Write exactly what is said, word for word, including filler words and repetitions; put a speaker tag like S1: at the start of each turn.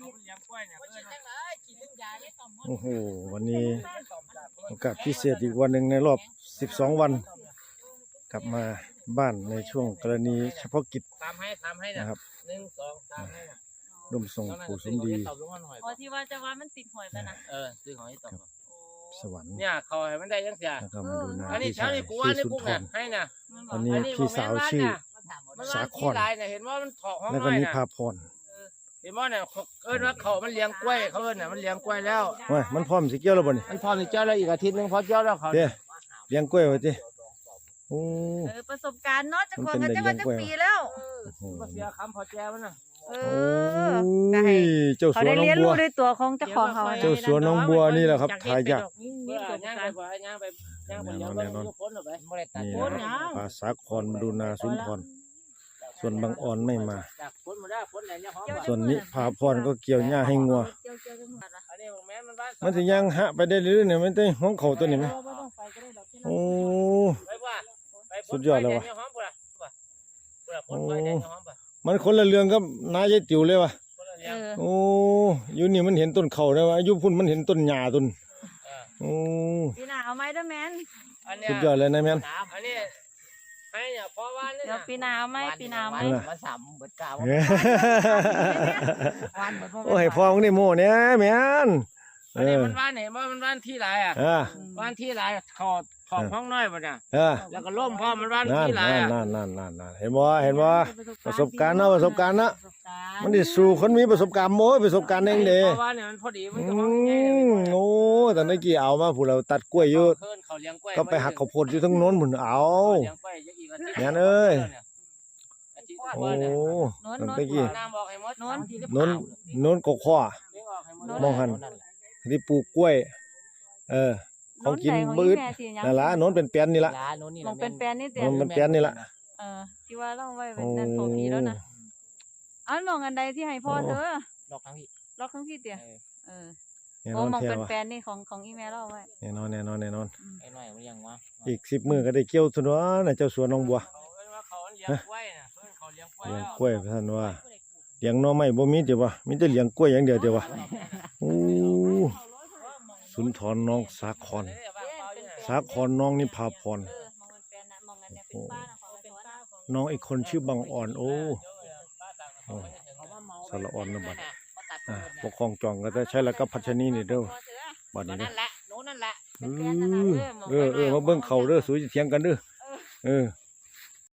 S1: โอ้โหวันนี้โอกาสพิเศษอีกวันหนึ่งในรอบสิบสองวันกลับมาบ้านในช่วงกรณีเฉพาะกิจนะครับหนึ่งสองสามให้ร่วมส่งปู่สมดี
S2: อ๋อที่ว่าจะว่ามันติดหอยไปนะ
S3: เออซื้อของที่ตก
S1: สวรรค์
S3: เนี่ยเขาให้มันได้ยังเสีย
S1: แล้วก็มาดูนา
S3: อันนี้
S1: พี่
S3: เช้า
S1: ชาย
S3: นี้กู
S1: ชื่
S3: ว่า
S1: อ
S3: นี่
S1: สุน
S3: กู
S1: ท
S3: เนี่ย
S1: ร
S3: ให้น่ะ
S1: อันนี้พี่สาวชื่อสาคร
S3: เห็นว่ามันถอกห้อง
S1: แล้วก็
S3: น้อย
S1: นิ
S3: น่ะ
S1: พาพร
S3: เห็นว่าเนี่ยเอิ้นว่าเขามันเลี้ยงกล้วยเขาเอิ้นน่ะมันเลี้ยงกล้วยแล้ว
S1: ว่ามันพร้อมสิเกี่ยวแล้วบ่นี่
S3: มันพอมีเจ้าแล้วอีกอาทิตย์นึงพอเจ้าแล้วเขา
S1: เด้เลี้ยงกล้วยไว้ติโอ้
S2: เออประสบการณ์เนาะจะของกันจะว่าจะปีแล้ว
S3: ก็เสียคำพอแจมันน่ะ
S2: เอ
S1: โอ้
S2: อได้
S1: ยเจ้า
S2: เขา
S1: สัว
S2: ได้
S1: น้อง
S2: เรียน
S1: บั
S2: รู้
S1: ว
S2: ด้วยตัวของเจ้าของเขา
S1: เจ้าสัวน้องบัวนี่แหละครับทายาท
S3: นี่ประสบการณ์ย่างไปย่างไปย่างไปเลี้ยงก็พ้นออกไปไม่ได้ตัด
S1: นี่
S3: พ้น
S1: นะปลาสาครมาดูนาสุนทรส่วนบางอ่อนไม่มา
S3: จากพ้นมาได้พ้นไหนเนี่ยหอม
S1: ส่วนนิพาพรก็เกี่ยวหญ้าให้งัว
S2: เกี่ยวเกี่ยวจังหวัดอะ
S3: อันนี้แม่มันบ้าน
S1: มันสิยังหะไปได้เรื่อยๆเนี่ยมันได้ห้องเขาตัวนี้ไหมโอ้
S3: ไปว่า
S1: สุดยอดแล้ววะ
S3: โอ้
S1: มันคนละเรื่องกับนายายติ๋วเลยวะ
S2: เออ
S1: โอ้อยู่นี่มันเห็นต้นเขาได้วะอยู่พุ่นมันเห็นต้นหญ้าต้นโอ้
S2: พี่นาเอาไหมเด้อแมน
S1: สุดยอดเลยนายแมน
S3: อันนี้ให้เนี่ยเพราะว่านี่
S2: เดี๋ยวปีนาเอาไหมปีนาเอาไหม
S3: มาสามเบิดกาว
S1: โอ้ยพอมึงได้โม่เนี่ยแมน
S3: อันนี้มันบ้านไหนว่ามันบ้านที่ไรอ่ะ
S1: อ่า
S3: บ้านที่ไรขอดขอบห้องน้อยป่ะเนี่ย
S1: อ่า
S3: แล้วก็ล่มพ่อมันบ้าน
S1: นั่น
S3: ที่ไร
S1: นั่น
S3: อ่ะ
S1: นั่นนั่นนั่นนั่นเห็นบ่เห็นบ่ประสบการณ์เนาะประสบการณ์เนาะ
S2: ประสบการณ์
S1: มันได้สู่คนมีประสบการณ์โม้ยประสบการณ์เองเด้
S3: เพราะว่าเนี่ยมันพอดีมัน
S1: อื
S3: ก็ห้องง่าย
S1: มโอ้แต่ในกี้เอามาผู้เราตัดกล้วยอยู่
S3: เพิ่นเขาเลี้ยงกล้วย
S1: ก็ไปหักข้าวโพดอยู่ทั้งโน้นพุ่นเอา
S3: เลี้ยงกล้วยอีกอาทิตย์
S1: แม่นเอ้ย โอ้
S2: โน้น
S1: ตั้ง
S2: โน้น
S1: แต่กี้
S3: น้ำบอกให้หมด
S2: โน้น
S1: โน้นโน้นกกข้อ
S3: เลี้ยงออกให้หมด
S1: มองหัน ที่ปลูกกล้วย เออของกินบืดนั่นล่ะโน้นเป็นแป้นนี่ล่ะ
S3: ร้านโน้นนี่
S2: มองเป็นแปลนนี่เดีย
S1: โน้
S2: วน
S1: เป็นแป้นนี่ล่ะ
S2: เออที่ว่าเราไว้เป็นนั่นโทพีแล้วนะอันมองอันใดที่ให้พ่อเธอ
S3: ดอกทั้งพี่
S2: ล็อกทั้งพี่เตียเออ
S1: แน่น
S2: โอ้
S1: อน
S2: มอง
S1: แท้
S2: เป็น
S1: ว่ะ
S2: แปลนนี่ของของอีเมลเราไว้
S1: แน่นอนแน่นอนแน่นอน
S3: ไอ้หน่อยมันยังวะ
S1: อีกสิบมื้อก็ได้เกี่ยวตัวน่ะเจ้าสวนน้องบัว
S3: เขาว่าเขาเลี้ยงกล้วยน่ะเพิ่นเขาเลี้ยงกล้วย
S1: เลี้ยงกล้วยท่านว่าเลี้ยงหน่อไม้บ่มีเดี๋ยววะมีแต่เลี้ยงกล้วยอย่างเดียวเดี๋ยววะโอ้สุนทรน้องสาครสาครน้องนิพาพร
S2: เออมองเป็นแปลนนะมองอันเนี้ยเป็นป้านะของเป็นป้าของ
S1: น้องอีกคนชื่อบางอ่อนโอ้สารอ่อนนะบัดอ่าปกครองจองก็ได้ใช้แล้วก็พัชนีนี่เด้อบัดนี้เด้
S3: นั่
S1: อน
S3: แหละโน้นนั่นแหละ
S1: เออเออเออมาเบิ่งเขาเด้อสวยสิเถียงกันเด้อเออ